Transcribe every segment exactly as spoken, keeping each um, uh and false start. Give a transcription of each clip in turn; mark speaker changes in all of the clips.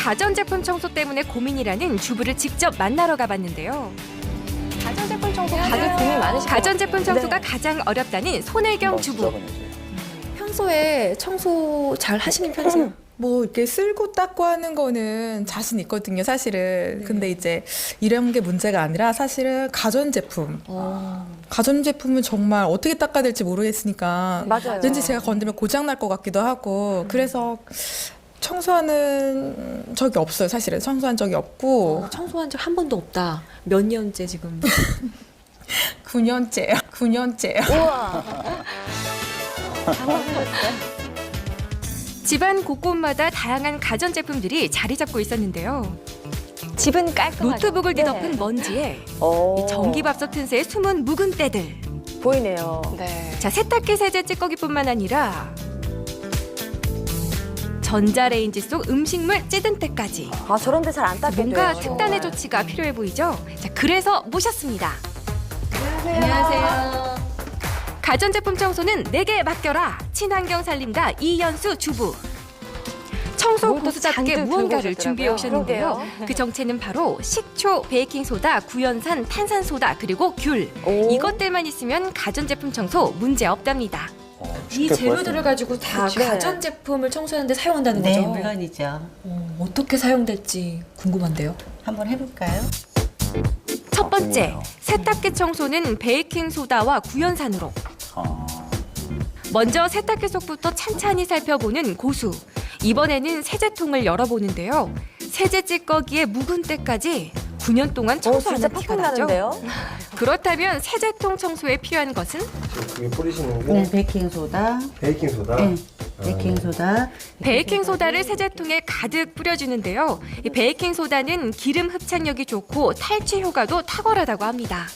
Speaker 1: 가전제품 청소 때문에 고민이라는 주부를 직접 만나러 가봤는데요.
Speaker 2: 가전제품 청소 다들 고민 많으시죠?
Speaker 1: 가전제품 청소가
Speaker 2: 네.
Speaker 1: 가장 어렵다는 손혜경 주부.
Speaker 3: 평소에 청소 잘 하시는 편이세요?
Speaker 4: 뭐 이렇게 쓸고 닦고 하는 거는 자신 있거든요, 사실은. 근데 이제 이런 게 문제가 아니라 사실은 가전제품. 가전제품은 정말 어떻게 닦아야 될지 모르겠으니까
Speaker 2: 맞아요.
Speaker 4: 왠지 제가 건드면 고장 날 것 같기도 하고 그래서 청소하는 적이 없어요, 사실은. 청소한 적이 없고
Speaker 3: 청소한 적 한 번도 없다. 몇 년째 지금?
Speaker 4: 구 년째요. 구 년째요.
Speaker 2: 우와.
Speaker 1: 집안 곳곳마다 다양한 가전제품들이 자리 잡고 있었는데요.
Speaker 2: 집은 깔끔하죠?
Speaker 1: 노트북을
Speaker 2: 네.
Speaker 1: 뒤덮은 먼지에
Speaker 2: 오.
Speaker 1: 전기밥솥 틈새에 숨은 묵은 때들.
Speaker 2: 보이네요. 네.
Speaker 1: 자, 세탁기 세제 찌꺼기뿐만 아니라 전자레인지 속 음식물 찌든 때까지.
Speaker 2: 아, 저런데 잘 안 닦게
Speaker 1: 뭔가
Speaker 2: 돼요.
Speaker 1: 특단의 조치가 필요해 보이죠? 자, 그래서 모셨습니다.
Speaker 2: 안녕하세요.
Speaker 1: 가전제품 청소는 내게 맡겨라. 친환경 살림가 이연수 주부. 청소
Speaker 2: 뭘또
Speaker 1: 고수답게
Speaker 2: 잔뜩 들고
Speaker 1: 무언가를
Speaker 2: 오셨더라고요.
Speaker 1: 준비해 오셨는데요.
Speaker 2: 그러게요.
Speaker 1: 그 정체는 바로 식초, 베이킹소다, 구연산, 탄산소다, 그리고 귤.
Speaker 2: 오.
Speaker 1: 이것들만 있으면 가전제품 청소 문제 없답니다.
Speaker 3: 이 재료들을 가지고 다
Speaker 2: 그쵸.
Speaker 3: 가전제품을 청소하는데 사용한다는
Speaker 5: 네,
Speaker 3: 거죠?
Speaker 5: 물론이죠.
Speaker 3: 어, 어떻게 사용될지 궁금한데요.
Speaker 5: 한번 해볼까요?
Speaker 1: 첫 번째,
Speaker 6: 궁금해요.
Speaker 1: 세탁기 청소는 베이킹소다와 구연산으로.
Speaker 6: 아,
Speaker 1: 먼저 세탁기 속부터 찬찬히 살펴보는 고수. 이번에는 세제통을 열어보는데요. 세제 찌꺼기의 묵은 때까지 구 년 동안
Speaker 2: 오,
Speaker 1: 청소 안
Speaker 2: 진짜
Speaker 1: 한 티가
Speaker 2: 팍팍
Speaker 1: 나죠.
Speaker 2: 나는데요?
Speaker 1: 그렇다면 세제통 청소에 필요한 것은?
Speaker 7: 그게 뿌리시는 게
Speaker 5: 네, 베이킹소다.
Speaker 7: 베이킹소다.
Speaker 5: 네, 베이킹소다.
Speaker 1: 베이킹소다를 세제통에 가득 뿌려주는데요. 이 베이킹소다는 기름 흡착력이 좋고 탈취 효과도 탁월하다고 합니다.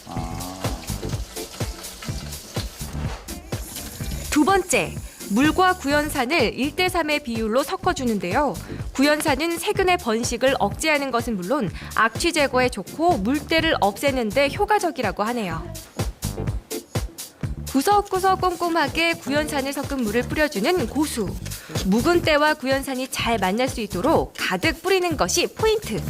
Speaker 1: 두 번째, 물과 구연산을 일 대 삼의 비율로 섞어주는데요. 구연산은 세균의 번식을 억제하는 것은 물론 악취 제거에 좋고 물때를 없애는 데 효과적이라고 하네요. 구석구석 꼼꼼하게 구연산을 섞은 물을 뿌려주는 고수. 묵은 때와 구연산이 잘 만날 수 있도록 가득 뿌리는 것이 포인트.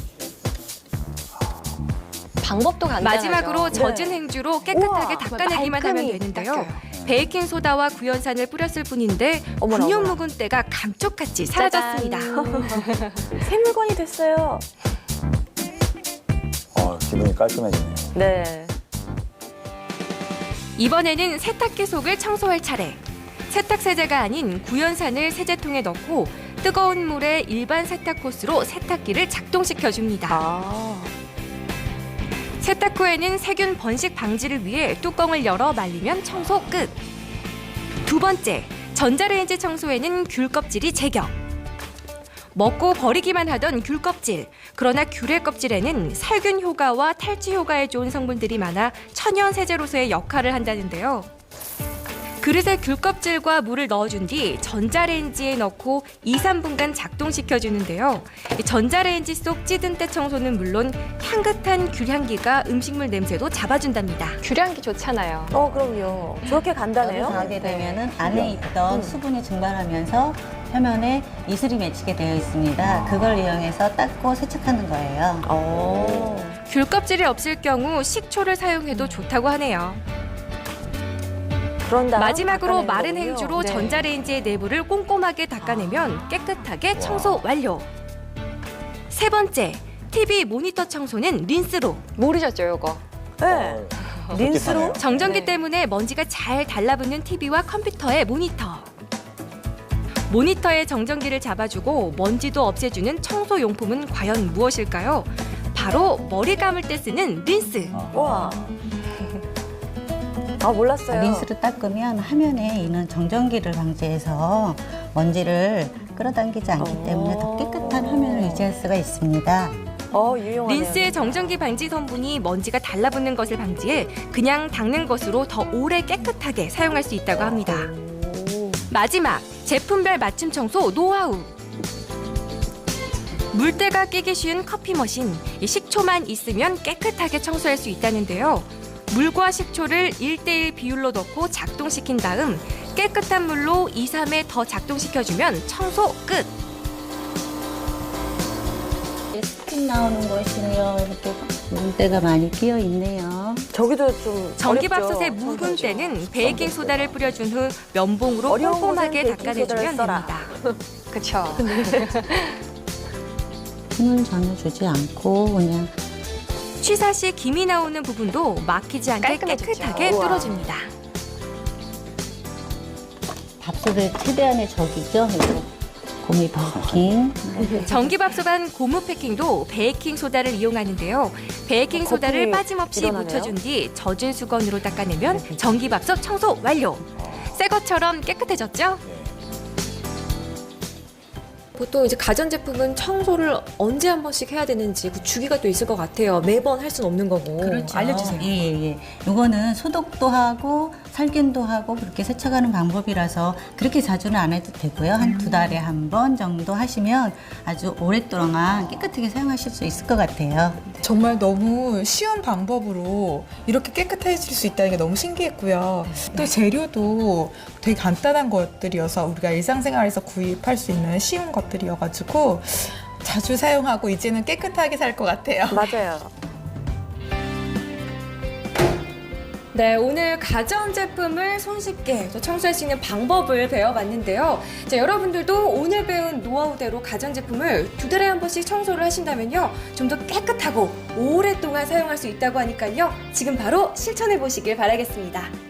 Speaker 2: 방법도 간단하죠.
Speaker 1: 마지막으로 젖은
Speaker 2: 네.
Speaker 1: 행주로 깨끗하게
Speaker 2: 우와,
Speaker 1: 닦아내기만 하면
Speaker 2: 말끔히
Speaker 1: 되는데요.
Speaker 2: 닦여요.
Speaker 1: 베이킹소다와 구연산을 뿌렸을 뿐인데
Speaker 2: 어머나,
Speaker 1: 구 년
Speaker 2: 어머나.
Speaker 1: 묵은 때가 감쪽같이 사라졌습니다.
Speaker 2: 새 물건이 됐어요.
Speaker 6: 어, 기분이 깔끔해지네요.
Speaker 2: 네.
Speaker 1: 이번에는 세탁기 속을 청소할 차례. 세탁세제가 아닌 구연산을 세제통에 넣고 뜨거운 물에 일반 세탁 호스로 세탁기를 작동시켜줍니다.
Speaker 2: 아.
Speaker 1: 세탁 후에는 세균 번식 방지를 위해 뚜껑을 열어 말리면 청소 끝. 두 번째, 전자레인지 청소에는 귤 껍질이 제격. 먹고 버리기만 하던 귤 껍질. 그러나 귤의 껍질에는 살균 효과와 탈취 효과에 좋은 성분들이 많아 천연 세제로서의 역할을 한다는데요. 그릇에 귤 껍질과 물을 넣어준 뒤 전자레인지에 넣고 이, 삼 분간 작동시켜주는데요. 이 전자레인지 속 찌든 때 청소는 물론 향긋한 귤 향기가 음식물 냄새도 잡아준답니다.
Speaker 2: 귤향기 좋잖아요. 어, 그럼요. 저렇게 간단해요?
Speaker 5: 열을 가하게 되면은 안에 있던 수분이 증발하면서 표면에 이슬이 맺히게 되어 있습니다. 그걸 이용해서 닦고 세척하는 거예요.
Speaker 2: 오.
Speaker 1: 귤 껍질이 없을 경우 식초를 사용해도 좋다고 하네요.
Speaker 2: 그런 다음
Speaker 1: 마지막으로
Speaker 2: 닦아내는
Speaker 1: 마른
Speaker 2: 거군요.
Speaker 1: 행주로
Speaker 2: 네.
Speaker 1: 전자레인지의 내부를 꼼꼼하게 닦아내면 깨끗하게 청소 완료. 세 번째, 티비 모니터 청소는 린스로.
Speaker 2: 모르셨죠, 이거? 네.
Speaker 6: 어,
Speaker 2: 린스로?
Speaker 6: 솔깃하네요.
Speaker 1: 정전기
Speaker 2: 네.
Speaker 1: 때문에 먼지가 잘 달라붙는 티비와 컴퓨터의 모니터. 모니터의 정전기를 잡아주고 먼지도 없애주는 청소용품은 과연 무엇일까요? 바로 머리 감을 때 쓰는 린스.
Speaker 2: 와. 아, 몰랐어요.
Speaker 5: 린스로 닦으면 화면에 있는 정전기를 방지해서 먼지를 끌어당기지 않기 때문에 더 깨끗한 화면을 유지할 수가 있습니다.
Speaker 2: 어, 유용하네요.
Speaker 1: 린스의 정전기 방지 성분이 먼지가 달라붙는 것을 방지해 그냥 닦는 것으로 더 오래 깨끗하게 사용할 수 있다고 합니다. 마지막, 제품별 맞춤 청소 노하우. 물때가 끼기 쉬운 커피 머신, 이 식초만 있으면 깨끗하게 청소할 수 있다는데요. 물과 식초를 일 대 일 비율로 넣고 작동시킨 다음 깨끗한 물로 이, 삼 회 더 작동시켜주면 청소 끝!
Speaker 5: 플라스틱 나오는 것이요. 이렇게 물때가 많이 끼어 있네요.
Speaker 2: 저기도 좀
Speaker 1: 전기밥솥에
Speaker 2: 어렵죠?
Speaker 1: 묵은 때는 베이킹 소다를 뿌려준 후 면봉으로
Speaker 2: 어려운
Speaker 1: 꼼꼼하게
Speaker 2: 곳은 베이킹 소다를
Speaker 1: 닦아내주면
Speaker 2: 써라.
Speaker 1: 됩니다.
Speaker 8: 그쵸.
Speaker 5: 힘을 전혀 주지 않고 그냥
Speaker 1: 취사 시 김이 나오는 부분도 막히지 않게
Speaker 8: 깔끔해졌죠.
Speaker 1: 깨끗하게
Speaker 2: 우와.
Speaker 1: 뚫어줍니다.
Speaker 5: 밥솥을 최대한의 적이죠. 이거 고미 베이킹.
Speaker 1: 전기밥솥 고무 패킹도 베이킹 소다를 이용하는데요. 베이킹 소다를
Speaker 2: 거품이
Speaker 1: 빠짐없이
Speaker 2: 일어나네요.
Speaker 1: 묻혀준 뒤 젖은 수건으로 닦아내면 전기밥솥 청소 완료. 새 것처럼 깨끗해졌죠?
Speaker 3: 보통 이제 가전제품은 청소를 언제 한 번씩 해야 되는지 그 주기가 또 있을 것 같아요. 매번 할 수는 없는 거고.
Speaker 5: 그렇죠.
Speaker 3: 알려주세요.
Speaker 5: 예, 예, 예. 요거는 소독도 하고 살균도 하고 그렇게 세척하는 방법이라서 그렇게 자주는 안 해도 되고요. 한 두 달에 한 번 정도 하시면 아주 오랫동안 깨끗하게 사용하실 수 있을 것 같아요.
Speaker 4: 정말 너무 쉬운 방법으로 이렇게 깨끗해질 수 있다는 게 너무 신기했고요. 또 재료도 되게 간단한 것들이어서 우리가 일상생활에서 구입할 수 있는 쉬운 것들이어가지고 자주 사용하고 이제는 깨끗하게 살 것 같아요.
Speaker 2: 맞아요.
Speaker 3: 네, 오늘 가전제품을 손쉽게 또 청소할 수 있는 방법을 배워봤는데요. 자, 여러분들도 오늘 배운 노하우대로 가전제품을 두 달에 한 번씩 청소를 하신다면요. 좀 더 깨끗하고 오랫동안 사용할 수 있다고 하니까요. 지금 바로 실천해 보시길 바라겠습니다.